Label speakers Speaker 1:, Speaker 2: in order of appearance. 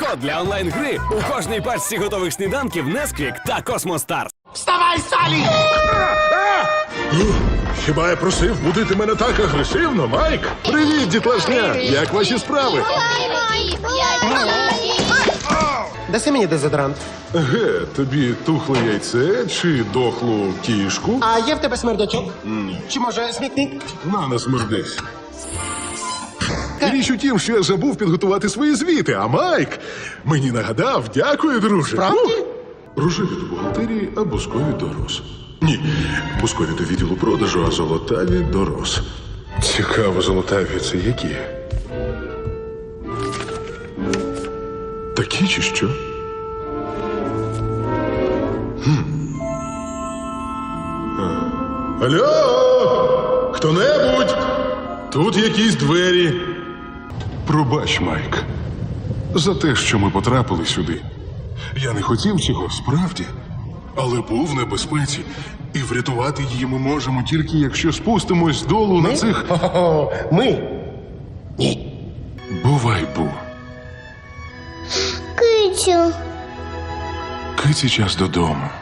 Speaker 1: Промокод для онлайн-гри у кожній пачці готових сніданків Несквік та Космостар.
Speaker 2: Вставай, Салі!
Speaker 3: Хіба я просив будити мене так агресивно, Майк? Привіт, дітлашня! Як ваші справи?
Speaker 2: Даси мені дезодорант.
Speaker 3: Тобі тухле яйце чи дохлу кішку?
Speaker 2: А є в тебе смердячок? Чи може смітник?
Speaker 3: Не смердись. Річ у тім, що я забув підготувати свої звіти, а Майк мені нагадав. Дякую, друже.
Speaker 2: Справді?
Speaker 3: Рожеві до бухгалтерії, а бускові до роз. Ні, бускові до відділу продажу, а золотаві до роз. Цікаво, золотаві це які? Такі чи що? Алло! Хто-небудь? Тут якісь двері. Пробач, Майк, за те, що ми потрапили сюди. Я не хотів цього, справді. Але був в небезпеці. І врятувати її ми можемо тільки, якщо спустимось долу на цих...
Speaker 2: Хо-хо-хо. Ми? Ні.
Speaker 3: Бувай, Бу.
Speaker 4: Кицю.
Speaker 3: Киці час додому.